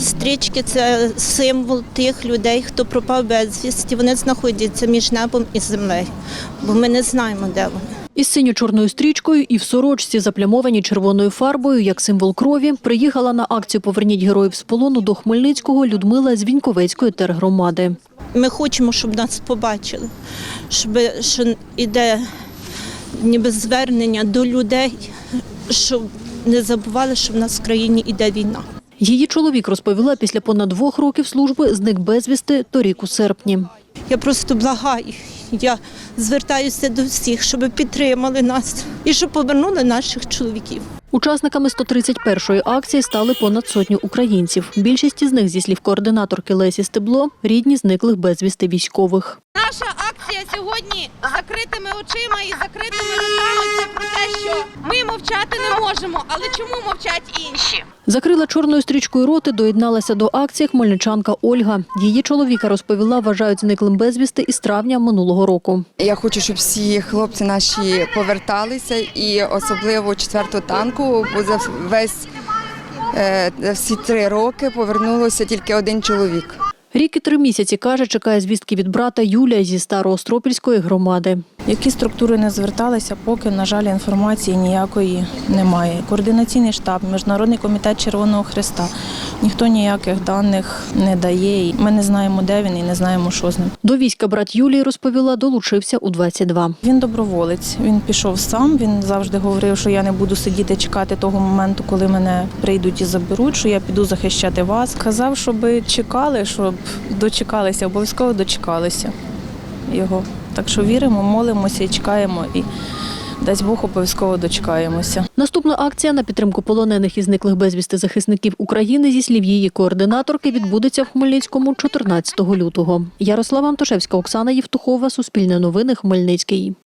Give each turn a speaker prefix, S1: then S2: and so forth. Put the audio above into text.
S1: Стрічки – це символ тих людей, хто пропав безвісті. Вони знаходяться між небом і землею, бо ми не знаємо, де вони.
S2: Із синьо-чорною стрічкою і в сорочці, заплямованій червоною фарбою, як символ крові, приїхала на акцію «Поверніть героїв з полону» до Хмельницького Людмила з Віньковецької тергромади.
S1: Ми хочемо, щоб нас побачили, що йде ніби звернення до людей, щоб не забували, що в нас в країні йде війна.
S2: Її чоловік, розповіла, після понад 2 років служби зник безвісти торік у серпні.
S1: Я просто благаю, я звертаюся до всіх, щоб підтримали нас і щоб повернули наших чоловіків.
S2: Учасниками 131-ї акції стали понад 100 українців. Більшість із них, зі слів координаторки Лесі Стебло, рідні зниклих безвісти військових.
S3: Наша акція сьогодні з закритими очима і закритими руками – це про те, що ми мовчати не можемо, але чому мовчать інші?
S2: Закрила чорною стрічкою роти, доєдналася до акції хмельничанка Ольга. Її чоловіка, розповіла, вважають зниклим безвісти із травня минулого року.
S4: Я хочу, щоб всі хлопці наші поверталися, і особливо 4-го танку, бо за всі 3 роки повернулося тільки 1 чоловік.
S2: Рік і 3 місяці, каже, чекає звістки від брата Юлія зі Староостропільської громади.
S5: Які структури не зверталися, поки, на жаль, інформації ніякої немає. Координаційний штаб, Міжнародний комітет Червоного Хреста. Ніхто ніяких даних не дає. Ми не знаємо, де він і не знаємо, що з ним.
S2: До війська брат Юлії, розповіла, долучився у 22.
S5: Він доброволець, він пішов сам, він завжди говорив, що я не буду сидіти чекати того моменту, коли мене прийдуть і заберуть, що я піду захищати вас. Казав, щоб чекали, щоб дочекалися, обов'язково дочекалися його. Так що віримо, молимося і чекаємо, і дасть Бог, обов'язково дочекаємося.
S2: Наступна акція на підтримку полонених і зниклих безвісти захисників України, зі слів її координаторки, відбудеться в Хмельницькому 14 лютого. Ярослава Антошевська, Оксана Євтухова, Суспільне новини, Хмельницький.